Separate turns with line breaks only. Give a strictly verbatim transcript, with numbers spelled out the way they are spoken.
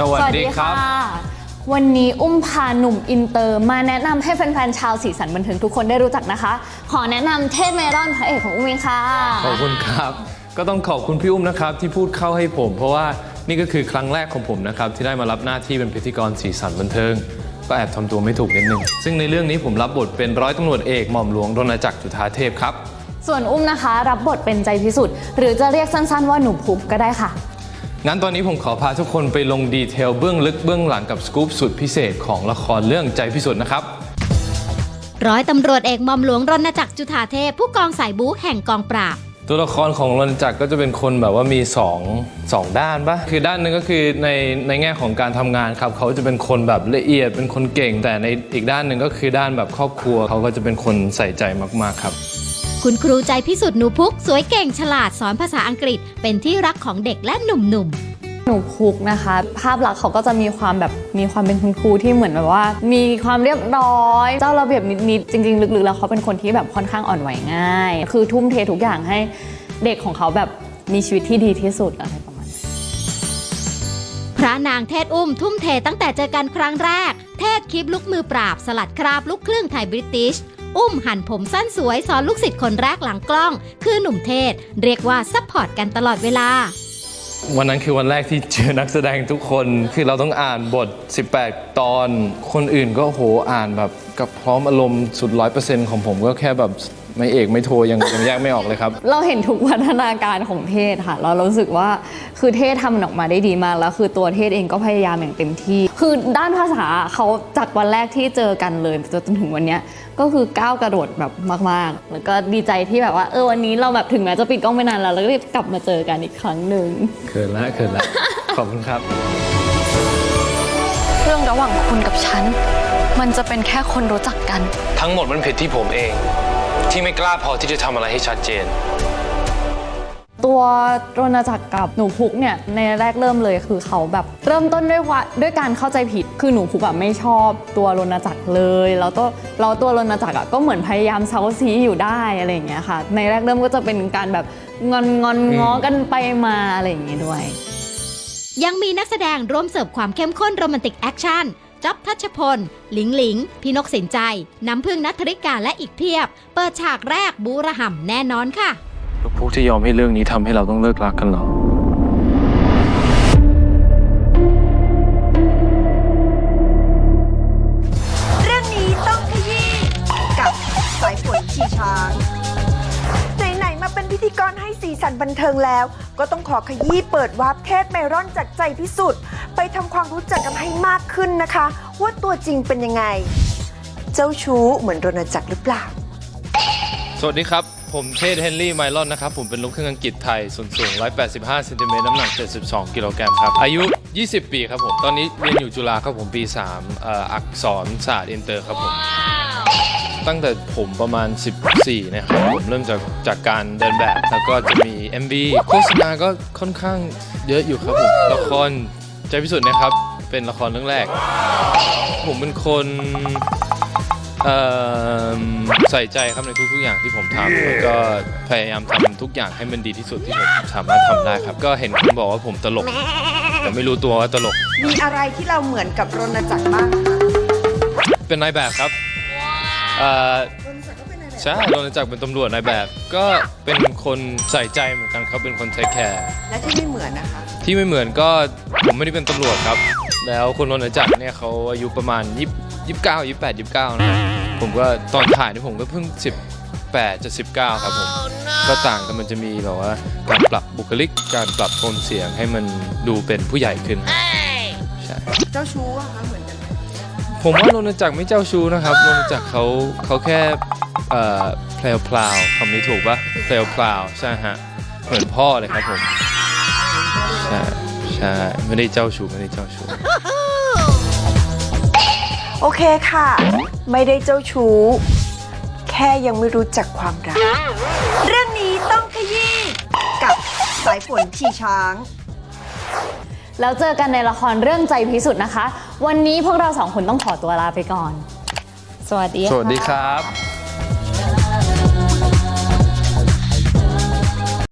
สวัสดีครับ
วันนี้อุ้มพาหนุ่มอินเตอร์มาแนะนำให้แฟนๆชาวสีสันบันเทิงทุกคนได้รู้จักนะคะขอแนะนำเทพเมลอนพระเอกของอุ้มเองค่ะ
ขอบคุณครับก็ต้องขอบคุณพี่อุ้มนะครับที่พูดเข้าให้ผมเพราะว่านี่ก็คือครั้งแรกของผมนะครับที่ได้มารับหน้าที่เป็นพิธีกรสีสันบันเทิงก็แอบทำตัวไม่ถูกนิดนึงซึ่งในเรื่องนี้ผมรับบทเป็นร้อยตำรวจเอกหม่อมหลวงรณจักรจุฑาเทพครับ
ส่วนอุ้มนะคะรับบทเป็นใจพิสุทธิ์หรือจะเรียกสั้นๆว่าหนูพุกก็ได้ค่ะ
งั้นตอนนี้ผมขอพาทุกคนไปลงดีเทลเบื้องลึกเบื้องหลังกับสกู๊ปสุดพิเศษของละครเรื่องใจพิสุทธิ์นะครับ
ร้อยตำรวจเอกหม่อมหลวงรณจักรจุฑาเทพผู้กองสายบู๊แห่งกองปราบ
ตัวละครของรณจักรก็จะเป็นคนแบบว่ามีสอง สองด้านปะคือด้านนึงก็คือในในแง่ของการทำงานครับเขาจะเป็นคนแบบละเอียดเป็นคนเก่งแต่ในอีกด้านหนึ่งก็คือด้านแบบครอบครัวเขาก็จะเป็นคนใส่ใจมากๆครับ
คุณครูใจพิสุทธิ์หนูพุกสวยเก่งฉลาดสอนภาษาอังกฤษเป็นที่รักของเด็กและหนุ่มๆ
หนูพุกนะคะภาพลักษณ์เขาก็จะมีความแบบมีความเป็นคุณครูที่เหมือนแบบว่ามีความเรียบร้อยเจ้าระเบียบนิดๆจริงๆลึกๆแล้วเขาเป็นคนที่แบบค่อนข้างอ่อนไหวง่ายคือทุ่มเททุกอย่างให้เด็กของเขาแบบมีชีวิตที่ดีที่สุดอะไรประมาณนั้น
พระนางเทศอุ้มทุ่มเทตั้งแต่เจอกันครั้งแรกเทศคลิปลุกมือปราบสลัดคราบลูกครึ่งไทยบริติชอุ้มหั่นผมสั้นสวยสอนลูกศิษย์คนแรกหลังกล้องคือหนุ่มเทศเรียกว่าซัพพอร์ตกันตลอดเวลา
วันนั้นคือวันแรกที่เจอนักแสดงทุกคนคือเราต้องอ่านบทสิบแปดตอนคนอื่นก็โหอ่านแบบกับพร้อมอารมณ์สุด ร้อยเปอร์เซ็นต์ ของผมก็แค่แบบไม่เอกไม่โทยังยังแยกไม่ออกเลยครับ
เราเห็นทุกพัฒนาการของเทศค่ะเรารู้สึกว่าคือเทศทำมันออกมาได้ดีมากแล้วคือตัวเทศเองก็พยายามอย่างเต็มที่คือด้านภาษาเขาจากวันแรกที่เจอกันเลยจนถึงวันนี้ก็คือก้าวกระโดดแบบมากๆแล้วก็ดีใจที่แบบว่าเออวันนี้เราแบบถึงแม้จะปิดกล้องไปนานแล้วเราก็กลับมาเจอกันอีกครั้งหนึ่ง
เขินละเขินละขอบคุณครับ
เรื่องระหว่างคุณกับฉันมันจะเป็นแค่คนรู้จักกัน
ทั้งหมดมันผิดที่ผมเองที่ไม่กล้าพอที่จะทำอะไรให้ชัดเจน
ตัวรณจักรกับหนูพุกเนี่ยในแรกเริ่มเลยคือเขาแบบเริ่มต้นด้วยว่าด้วยการเข้าใจผิดคือหนูพุกแบบไม่ชอบตัวรณจักรเลยแล้วตัวเราตัวรณจักรก็เหมือนพยายามเซาซีอยู่ได้อะไรอย่างเงี้ยค่ะในแรกเริ่มก็จะเป็นการแบบงอนงอนง้อกันไปมาอะไรอย่างเงี้ยด้วย
ยังมีนักแสดงร่วมเสิร์ฟความเข้มข้นโรแมนติกแอคชั่นจ๊อบทัชพลหลิงหลิงพี่นกสินใจน้ำพึ่งณัฐริกาและอีกเพียบเปิดฉากแรกบูระห่ำแน่นอนค่ะ
พวกที่ยอมให้เรื่องนี้ทำให้เราต้องเลิกรักกันเหรอ
เรื่องนี้ต้องขยี้กับสายฝนขี่ช้างไหนๆมาเป็นพิธีกรให้สีสันบันเทิงแล้วก็ต้องขอขยี้เปิดวาร์ปเทศเมลอนจากใจพิสุทธิ์ไปทำความรู้จักกันให้มากขึ้นนะคะว่าตัวจริงเป็นยังไงเจ้าชู้เหมือนรณจักรหรือเปล่า
สวัสดีครับผมเทศเฮนรี่ไมลอนนะครับผมเป็นลูกครึ่งอังกฤษไทยส่วนสูงหนึ่งร้อยแปดสิบห้าเซนติเมตรน้ำหนักเจ็ดสิบสองกิโลกรัมครับอายุยี่สิบปีครับผมตอนนี้เรียนอยู่จุฬาครับผมปีสามเอ่ออักษรศาสตร์อินเตอร์ครับผมตั้งแต่ผมประมาณสิบสี่นะครับผมเริ่มจากจากการเดินแบบแล้วก็จะมี เอ็ม วี โฆษณาก็ค่อนข้างเยอะอยู่ครับผมละครใจพิสุทธิ์นะครับเป็นละครเรื่องแรกผมเป็นคนใส่ใจครับในทุกๆอย่างที่ผมทำแล้วก็พยายามทำทุกอย่างให้มันดีที่สุดที่ผมสามารถทำได้ครับก็เห็นคนบอกว่าผมตลกแต่ไม่รู้ตัวว่าตลก
มีอะไรที่เราเหมือนกับรณจักรบ้าง
เป็นนายแบบครับใช่รณจักรเป็นตำรวจนายแบบก็เป็นคนใส่ใจเหมือนกันครับเป็นคนเทคแคร์
และที่ไม่เหมือนนะคะ
ที่ไม่เหมือนก็ผมไม่ได้เป็นตำรวจครับแล้วคนรณจักรเนี่ยเขาอายุประมาณยี่สิบเก้า ยี่สิบแปด ยี่สิบเก้านะผมก็ตอนถ่ายนี่ผมก็เพิ่งสิบแปดจะสิบเก้าครับผมก็ต่างกันมันจะมีแบบว่าการปรับบุคลิกการปรับโทนเสียงให้มันดูเป็นผู้ใหญ่ขึ้นใช่
เจ้าชู้อะคะเหมือนกัน
ผมว่ารณจักรไม่เจ้าชู้นะครับรณจักรเขาเขาแค่แพลวพลาวคำนี้ถูกปะแพลวพลาวใช่ฮะเหมือนพ่อเลยครับผมใช่ใช่ไม่ได้เจ้าชู้ไม่ได้เจ้าชู้
โอเคค่ะไม่ได้เจ้าชู้แค่ยังไม่รู้จักความรักเรื่องนี้ต้องขยี้กับสายฝนขี่ช้าง
แล้วเจอกันในละครเรื่องใจพิสุทธิ์นะคะวันนี้พวกเราสองคนต้องขอตัวลาไปก่อนสวัสดี
สวัสดีครับ